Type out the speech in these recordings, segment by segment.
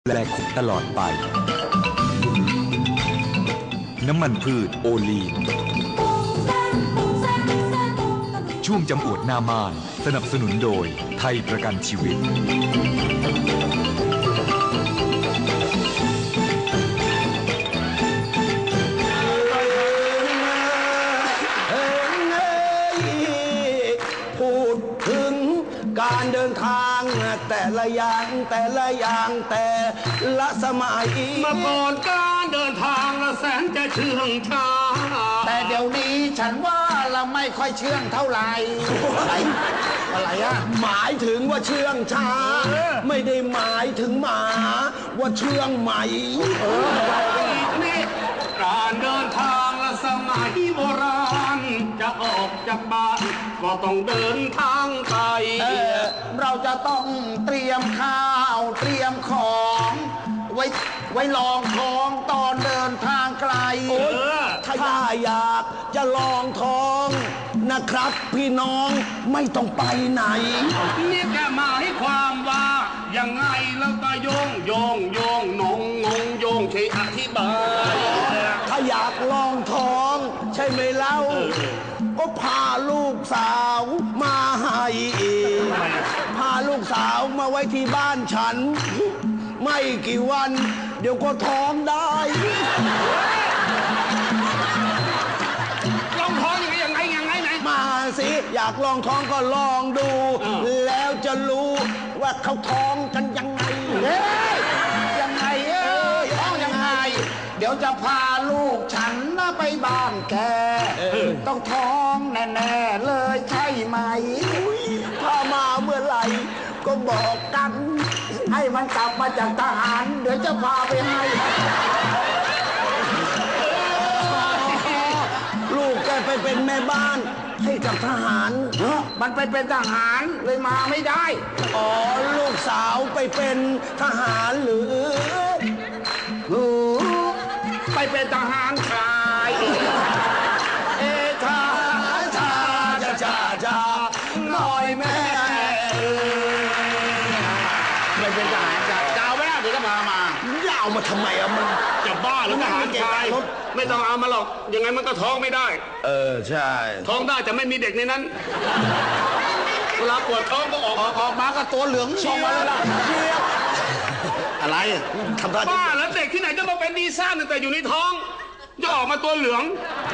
แปลคุกตลอดไปน้ำมันพืชโอลีนช่วงจำอวดหน้าม่านสนับสนุนโดยไทยประกันชีวิตพูดถึงการเดินทางแต่ละอย่างแต่ละสมัยเมื่อก่อนการเดินทางละแสนจะเชื่องช้าแต่เดี๋ยวนี้ฉันว่าเราไม่ค่อยเชื่องเท่าไหร่อะไรอะหมายถึงว่าเชื่องช้าไม่ได้หมายถึงหมาว่าเชื่องไหมนี่การเดินทางละสมัยโบราณจะออกจากบ้านก็ต้องเดินทางไปเราจะต้องเตรียมข้าวเตรียมของไว้ลองท้องตอนเดินทางไกลถ้าอยากจะลองท้องนะครับพี่น้องไม่ต้องไปไหนนี่แกหมายความว่ายังไงแล้วก็โยงนงโยงช่วยอธิบายถ้าอยากลองท้องใช่ไหมเล่าก็พาลูกสาวมาให้พาลูกสาวมาไว้ที่บ้านฉันไม่กี่วันเดี๋ยวก็ท้องได้ลองท้องยังไงไหนมาสิอยากลองท้องก็ลองดูแล้วจะรู้ว่าเขาท้องกันยังไงยังไงท้องยังไงเดี๋ยวจะพาลูกฉันไปบ้านแกต้องท้องแน่ๆเลยใช่ไหมพามาเมื่อไหร่ก็บอกกันให้มันกลับมาจากทหารเดี๋ยวจะพาไปให้ลูกแกไปเป็นแม่บ้านให้กับทหารมันไปเป็นทหารเลยมาไม่ได้อ๋อลูกสาวไปเป็นทหารหรือไปเป็นทหารชายชาหน่อยแม่ไปเป็นทหารชายจะเอาไม่ได้เดี๋ยวก็มาจะเอามาทำไมอะมันจะบ้าหรือทหารชายไม่ต้องเอามาหรอกยังไงมันก็ท้องไม่ได้ใช่ท้องได้แต่ไม่มีเด็กในนั้นเวลาปวดท้องก็ออกมาก็ตัวเหลืองออกมาแล้วล่ะอะไรทำบ้าแล้วเด็กที่ไหนจะมาเป็นดีซ่านแต่อยู่ในท้องจะออกมาตัวเหลือง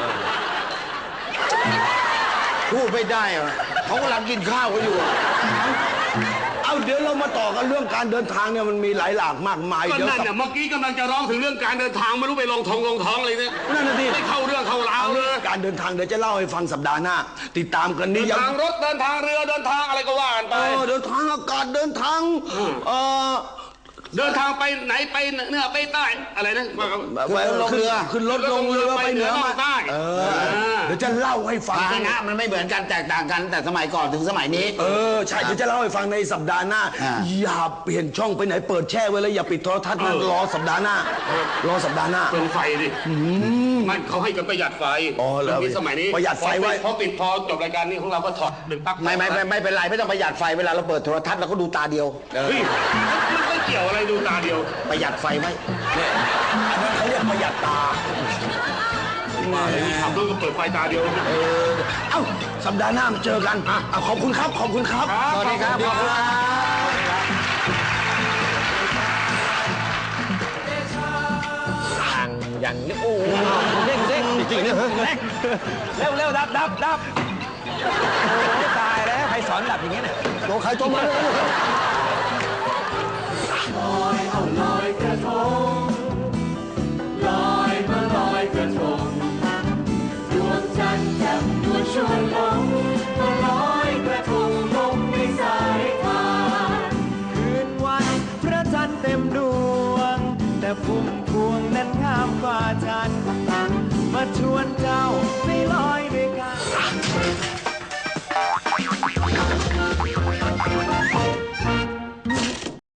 พูดไม่ได้อะเขากำลังกินข้าวกันอยู่เอาเดี๋ยวเรามาต่อกันเรื่องการเดินทางเนี่ยมันมีหลายหลากมากมายก็นั่นเนี่ยเมื่อกี้กำลังจะร้องถึงเรื่องการเดินทางไม่รู้ไปลงท้องอะไรเนี่ยนั่นน่ะดิไม่เข้าเรื่องเข้าราวเลยการเดินทางเดี๋ยวจะเล่าให้ฟังสัปดาห์หน้าติดตามกันนี่เดินทางรถเดินทางเรือเดินทางอะไรก็ว่ากันไปเดินทางอากาศเดินทางเดินทางไปไหนไปเหนือไปใต้อะไรนะลงเรือขึ้นรถลงเรือไปเหนือมาใต้เดี๋ยวจะเล่าให้ฟังนะมันไม่เหมือนกันแตกต่างกันแต่สมัยก่อนถึงสมัยนี้ใช่เดี๋ยวจะเล่าให้ฟังในสัปดาห์หน้าอย่าเปลี่ยนช่องไปไหนเปิดแช่ไว้เลยอย่าปิดโทรทัศน์รอสัปดาห์หน้ารอสัปดาห์หน้าเปิดไฟดิมันเขาให้กันประหยัดไฟสมัยนี้ประหยัดไฟไว้พอจบรายการนี้ของเราก็ถอดหนึ่งปลั๊กไม่เป็นไรไม่ต้องประหยัดไฟเวลาเราเปิดโทรทัศน์เราก็ดูตาเดียวไม่เกี่ยวอะไรดูตาเดียวประหยัดไฟไว้อันนั้นเขาเรียกประหยัดตามาเลยขับรถก็เปิดไฟตาเดียวเอ้าสัปดาห์หน้ามาเจอกันขอบคุณครับสวัสดีครับขอบคุณอย่างนี้โอ้เด้งจริงๆเนี่ยเร็วดับตายแล้วใครสอนดับอย่างนี้เนี่ยตัวใครตัวมันลอยกระทงลอยมาลอยกระทงดวงจันทร์แจ่มนวลชวนหลงมาลอยกระทงลงในสายทานคืนวันพระจันทร์เต็มดวงแต่พุ่มพวงนั้นงามกว่าจันทร์มาชวนเจ้า